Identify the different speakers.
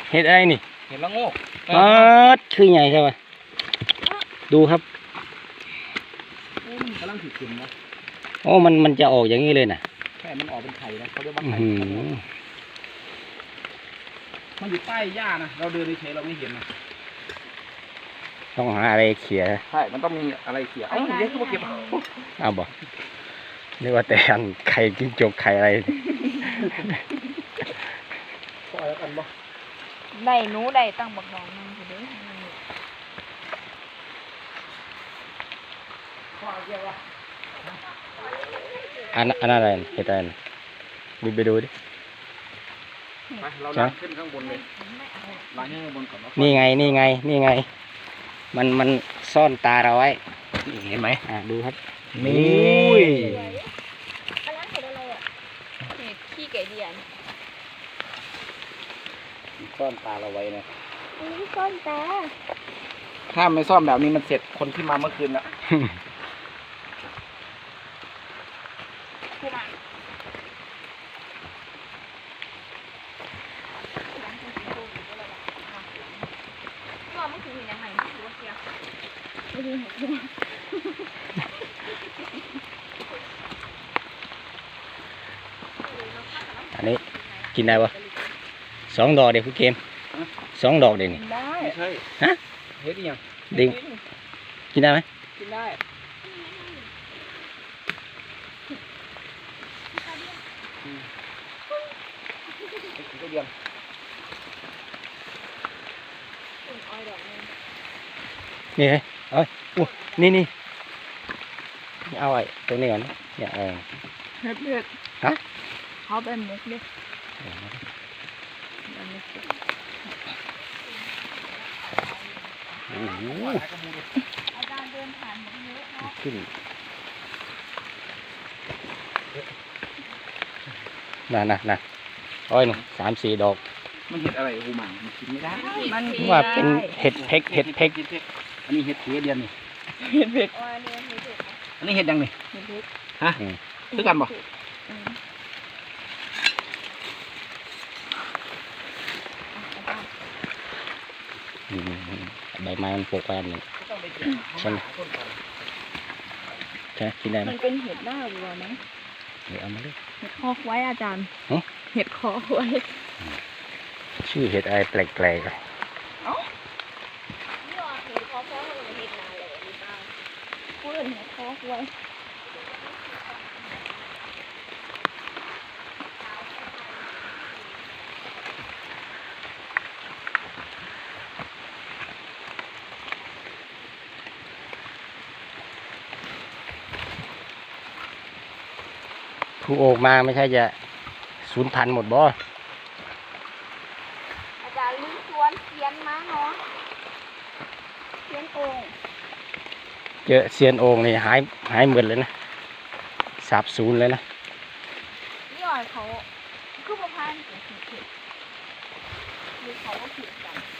Speaker 1: เห็ดอะไรนี่
Speaker 2: เห็ดละโงก
Speaker 1: คือใหญ่ใช่ไหมดูครับ
Speaker 2: มันกำลังถือขึ้นนะ
Speaker 1: โอ้มันจะออกอย่างนี้เลยนะ
Speaker 2: แค่มันออกเป็นไข่นะเขาเรียกว่าไข่มันอยู่ใต้หญ้านะเราเดินเฉยเราไม่เห็นนะ
Speaker 1: ต้องหาอะไรเขี่ย
Speaker 2: ใช่มันต้องมีอะไรเขี่ยเอ้าเดี๋ยวเขาเก็บ
Speaker 1: เอาบ่นึกว่าแต่อันไข่จิ้งจกไข่อะไร
Speaker 2: ปล่อยแล้วกันบ่
Speaker 3: ได้หนูได้ตั้งบักดองนึงสิเด้อ
Speaker 1: อันอะไรเห็ดอะไรดูไปดูดิ
Speaker 2: ไปเราล้างขึ้นข้างบนเลยล้างข้างบนก่อน
Speaker 1: นี่ไงมันซ่อนตาเราไว้
Speaker 2: เห็นไหม
Speaker 1: ดูครับ
Speaker 2: นี่
Speaker 3: อันนั้นเห็ดอะไรอ่ะเห็ดขี้ไก่เดียน
Speaker 1: ซ่อนตาเราไว้นะ
Speaker 3: นี่ซ่อนตา
Speaker 2: ถ้าไม่ซ่อมแบบนี้มันเสร็จคนที่มาเมื่อคืนแล้ว
Speaker 1: อันนี้กินได้ปะ2 ดอกเด็กคุณเกม2 ดอกเด็กนี่
Speaker 2: ไม่ใช่
Speaker 1: ฮะ
Speaker 2: เฮ็ดยัง
Speaker 1: ดิงกินได้ไหม
Speaker 2: กินได้ก็เดียว
Speaker 1: นี่ไงเอ้ยนี่เอาไอ้ตัวนี้ก่อนเนี่ย
Speaker 3: เห็ด
Speaker 1: ฮะ
Speaker 3: เขาเป็นมุกดิ
Speaker 1: โอ้โห
Speaker 3: อาจารย์เดินผ่านมุกเยอะ
Speaker 1: ขึ้นน่ะอ้อยหนู3-4 ดอก
Speaker 2: มันเห็ดอะไรหูหมังมันกินไม่ได้
Speaker 1: มันว่าเป็นเห็ดเพ็ก
Speaker 2: อันนี้เห็ดเพี้ยเดียนนี่
Speaker 3: เห็ดเผ็ด
Speaker 2: อันนี้เห็ดยังนี่ฮะซื้อกันบ่
Speaker 1: ใบไม้มันปลูกไว้อันหนึ่งใช่ไหมใช่กินได้ไหม
Speaker 3: มันเป็นเห็ดหน้าวัวไหม
Speaker 1: เอามาเลย
Speaker 3: เห็ดคอกไว้อาจารย์เห็ดคอกไว้
Speaker 1: ชื่อเห็ดอะไรแปลกๆเลย
Speaker 3: เอ้านี่ว่าเห็ดคอกไว้เห็ดนาเลยหรือเปล่าพูดเห็ดคอกไว้
Speaker 1: ผู้โอกมาไม่ใช่จะสูญพันธุ์หมดบ่
Speaker 3: อาจารย์ลื้อสวนเขียนมาเนาะเขียนโอ่ง
Speaker 1: เจอเซียนโอ่งนี่หายหมดเลยนะสาบสูญเลยนะ
Speaker 3: นี่อ่อยเขาคือประพันธ์เขียนหรือเขาก็ผิดกัน